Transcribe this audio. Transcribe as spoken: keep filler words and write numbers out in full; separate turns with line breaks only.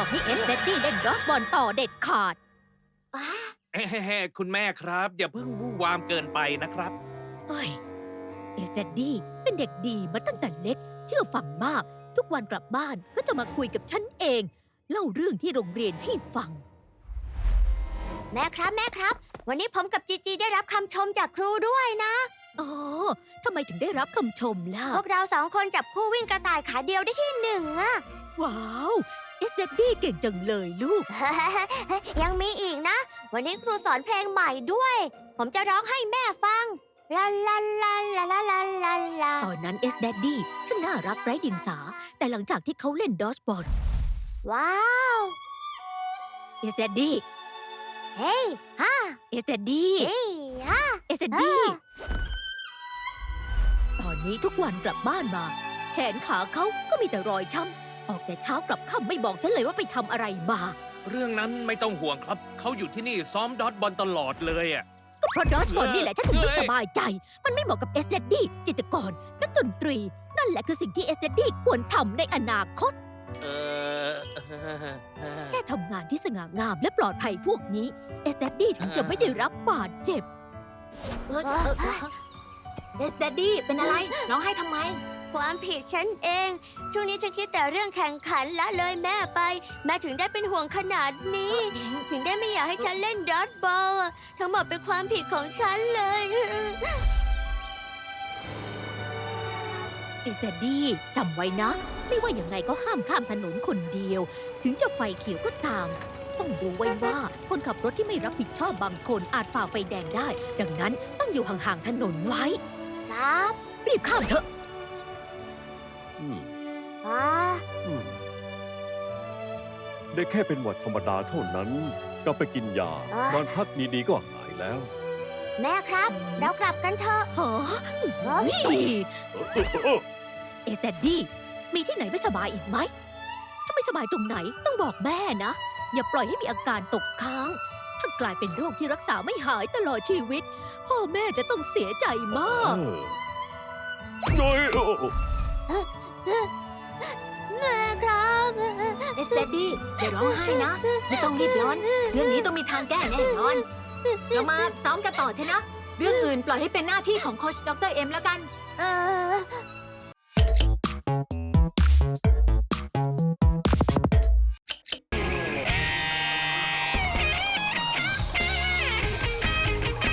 ให้เอสเดดดี้เล่นดอสบอลต่อเด็ดขาด
เฮ้ๆคุณแม่ครับ อย่าเพิ่งวู่วามเกินไปนะครับ
เฮ้ยเอสเดดดี้เป็นเด็กดีมาตั้งแต่เล็ก เชื่อฟังมาก ทุกวันกลับบ้านก็จะมาคุยกับฉันเอง เล่าเรื่องที่โรงเรียนให้ฟัง
แม่ครับแม่ครับ วันนี้ผมกับจีจีได้รับคำชมจากครูด้วยนะ
อ๋อทำไมถึงได้รับคำชมล่ะ
พวกเราสองคนจับคู่วิ่งกระต่ายขาเดียวได้ที่หนึ่งอะ
ว้าวเอสเดดดี้เก่งจังเลยลูก
ยังมีอีกนะ วันนี้ครูสอนเพลงใหม่ด้วย ผมจะร้องให้แม่ฟังลาลาลาลาลาลาลาลา
ตอนนั้นเอสเดดดี้ช่างน่ารักไร้เดียงสา แต่หลังจากที่เขาเล่นดอสบอล
ว้าว
เอสเดดดี้
เฮ้ยฮ่า
เอสเดดดี้
เฮ้ยฮ่า
เอสเดดดี้ตอนนี้ทุกวันกลับบ้านมา แขนขาเขาก็มีแต่รอยช้ำออกแต่เช้ากลับค่ำไม่บอกฉันเลยว่าไปทำอะไรมา
เรื่องนั้นไม่ต้องห่วงครับ เขาอยู่ที่นี่ซ้อมดอทบอลตลอดเลยอ่ะ
ก็เพราะดอสบอลนี่แหละฉันถึงไม่
เอ้ย
สบายใจ มันไม่เหมาะกับเอสเดดดี้จิตรกรนักดนตรี นั่นแหละคือสิ่งที่เอสเดดดี้ควรทำในอนาคต
เออ
แค่ทำงานที่สง่างามและปลอดภัยพวกนี้เอสเดดดี้ถึงจะไม่ได้รับบาดเจ็บ
เอสแดดดี้เป็นอะไร ร้องไห้ทำไม ความผิดฉันเอง ช่วงนี้ฉันคิดแต่เรื่องแข่งขันละเลยแม่ไป แม่ถึงได้เป็นห่วงขนาดนี้ ถึงได้ไม่อยากให้ฉันเล่นดอทบอลอะทั้งหมดเป็นความผิดของฉันเลย
เอสเดดดี้จำไว้นะ ไม่ว่าอย่างไงก็ห้ามข้ามถนนคนเดียว ถึงจะไฟเขียวก็ตาม ต้องดูไว้ว่าคนขับรถที่ไม่รับผิดชอบบางคนอาจฝ่าไฟแดงได้ ดังนั้นต้องอยู่ห่างๆถนนไว้
ครับ
รีบข้ามเถอะ
อืม
อ่า
อืมได้แค่เป็นหวัดธรรมดาเท่านั้น ก็ไปกินยานอนพักดีๆก็หายแล้ว
แม่ครับ เรากลับกันเถอะ
ฮะเฮ้ย
เออเออเออ
เอสแดดดี้มีที่ไหนไม่สบายอีกไหม ถ้าไม่สบายตรงไหนต้องบอกแม่นะ อย่าปล่อยให้มีอาการตกค้าง ถ้ากลายเป็นโรคที่รักษาไม่หายตลอดชีวิต พ่อแม่จะต้องเสียใจมาก
เออน้อยโอ้โอ้
แม่ครับ
เอสเดดดี้อย่าร้องไห้นะ ไม่ต้องรีบร้อน เรื่องนี้ต้องมีทางแก้แน่นอน เรามาซ้อมกันต่อเถอะนะ เรื่องอื่นปล่อยให้เป็นหน้าที่ของโค้ชดรเอ็มแล้วกัน
เออ